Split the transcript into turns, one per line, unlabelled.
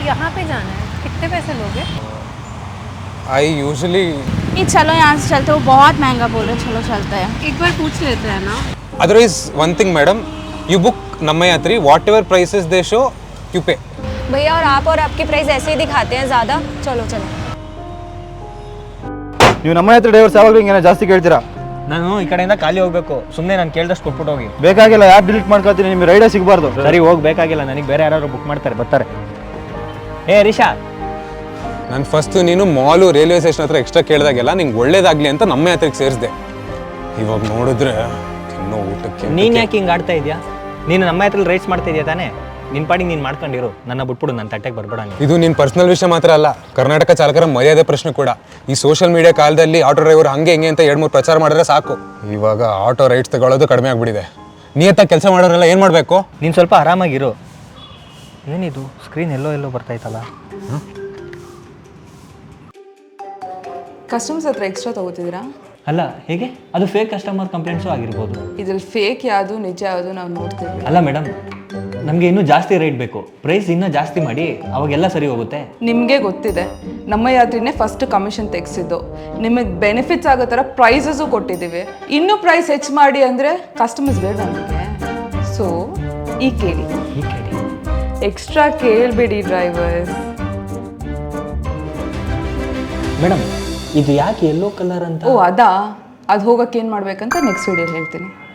यहाँ पे जाना है, कितने पैसे लोगे?
आई यूजुअली
ये चलो यहाँ से चलते, वो बहुत महंगा बोल रहे, चलो चलते हैं।
एक बार पूछ लेते हैं ना।
Otherwise one thing madam, you book Namma Yatri, whatever prices they show you pay.
भैया और आपकी प्राइस ऐसे ही दिखाते हैं ज़्यादा। चलो चलो
ನೀವು ನಮ್ಮ ಹತ್ರ ಡ್ರೈವರ್ಸ್ ಯಾವಾಗಲೂ ಹಿಂಗೆ ಜಾಸ್ತಿ ಕೇಳ್ತೀರಾ?
ನಾನು ಈ ಕಡೆಯಿಂದ ಖಾಲಿ ಹೋಗ್ಬೇಕು, ಸುಮ್ಮನೆ ನಾನು ಕೇಳ್ದಷ್ಟು ಕೊಟ್ಬಿಟ್ಟು ಹೋಗಿ.
ಬೇಕಾಗಿಲ್ಲ, ಯಾರು ಡಿಲೀಟ್ ಮಾಡ್ಕೊತೀನಿ, ನಿಮಗೆ ರೈಡೇ ಸಿಗಬಾರ್ದು.
ಸರಿ ಹೋಗ್ಬೇಕಾಗಿಲ್ಲ, ನನಗೆ ಬೇರೆ ಯಾರು ಬುಕ್ ಮಾಡ್ತಾರೆ, ಬರ್ತಾರೆ. ಏ ರಿಷಾ,
ನಾನು ಫಸ್ಟು ನೀನು ಮಾಲು ರೈಲ್ವೆ ಸ್ಟೇಷನ್ ಹತ್ರ ಎಕ್ಸ್ಟ್ರಾ ಕೇಳಿದಾಗೆಲ್ಲ ನಿಂಗೆ ಒಳ್ಳೇದಾಗಲಿ ಅಂತ ನಮ್ಮ ಯಾತ್ರೆಗೆ ಸೇರಿಸಿದೆ. ಇವಾಗ ನೋಡಿದ್ರೆ ತಿನ್ನೋ ಊಟಕ್ಕೆ
ನೀನು ಯಾಕೆ ಹಿಂಗೆ ಆಡ್ತಾ ಇದೆಯಾ? ನೀನು ನಮ್ಮ ಹತ್ರ ರೈಸ್ ಮಾಡ್ತಾ ಇದೆಯಾ ತಾನೇ? ನಿನ್ನ ಪಾಡಿಗೆ ನೀನು ಮಾಡ್ಕೊಂಡಿರು, ನನ್ನ ಬಿಟ್ಬಿಡು, ನನ್ನ ತಟ್ಟೆಗೆ ಬರ್ಬೇಡಂಗೆ.
ಇದು ನಿನ್ನ ಪರ್ಸನಲ್ ವಿಷಯ ಮಾತ್ರ ಅಲ್ಲ, ಕರ್ನಾಟಕ ಚಾಲಕರ ಮರ್ಯಾದೆ ಪ್ರಶ್ನೆ ಕೂಡ. ಈ ಸೋಷಿಯಲ್ ಮೀಡಿಯಾ ಕಾಲದಲ್ಲಿ ಆಟೋ ಡ್ರೈವರ್ ಹಂಗೆ ಹಿಂಗೆ ಅಂತ 2-3 ಪ್ರಚಾರ ಮಾಡಿದ್ರೆ ಸಾಕು. ಇವಾಗ ಆಟೋ ರೈಡ್ಸ್ ತಗೊಳ್ಳೋದು ಕಡಿಮೆ ಆಗಿಬಿಟ್ಟಿದೆ. ನಿಯತ್ತಾಗಿ ಕೆಲಸ ಮಾಡೋರೆಲ್ಲ ಏನು ಮಾಡಬೇಕು?
ನೀನು ಸ್ವಲ್ಪ ಆರಾಮಾಗಿರು. ಏನಿದು ಸ್ಕ್ರೀನ್ ಎಲ್ಲೋ ಬರ್ತಾಯ್ತಲ್ಲ?
ಕಸ್ಟಮರ್ಸ್ ಹತ್ರ ಎಕ್ಸ್ಟ್ರಾ ತೊಗೋತಿದ್ದೀರಾ?
ಅಲ್ಲ, ಹೇಗೆ? ಅದು ಫೇಕ್ ಕಸ್ಟಮರ್ ಕಂಪ್ಲೇಂಟ್ಸು ಆಗಿರ್ಬೋದು.
ಇದ್ರಲ್ಲಿ ಫೇಕ್ ಯಾವುದು ನಿಜ ಯಾವುದು ನಾವು ನೋಡ್ತೀವಿ.
ಅಲ್ಲ ಮೇಡಮ್, ನಮಗೆ ಇನ್ನೂ ಜಾಸ್ತಿ ರೇಟ್ ಬೇಕು, ಪ್ರೈಸ್ ಇನ್ನೂ ಜಾಸ್ತಿ ಮಾಡಿ, ಅವಾಗೆಲ್ಲ ಸರಿ ಹೋಗುತ್ತೆ.
ನಿಮಗೆ ಗೊತ್ತಿದೆ, ನಮ್ಮ ಯಾತ್ರಿನೇ ಫಸ್ಟ್ ಕಮಿಷನ್ ತೆಗೆಸಿದ್ದು. ನಿಮಗೆ ಬೆನಿಫಿಟ್ಸ್ ಆಗೋ ಥರ ಪ್ರೈಸಸ್ಸು ಕೊಟ್ಟಿದ್ದೀವಿ. ಇನ್ನೂ ಪ್ರೈಸ್ ಹೆಚ್ಚು ಮಾಡಿ ಅಂದರೆ ಕಸ್ಟಮರ್ಸ್ ಬೇಡ ನಮಗೆ. ಸೊ ಈ ಕೇಳಿ, ಎಕ್ಸ್ಟ್ರಾ ಕೇಳಬೇಡಿ ಡ್ರೈವರ್ಸ್.
ಮೇಡಮ್, ಇದು ಯಾಕೆ ಯೆಲ್ಲೋ ಕಲರ್ ಅಂತ?
ಓ ಅದಾ, ಅದು ಹೋಗೋಕೆ ಏನು ಮಾಡಬೇಕಂತ ನೆಕ್ಸ್ಟ್ ವಿಡಿಯೋಲಿ ಹೇಳ್ತೀನಿ.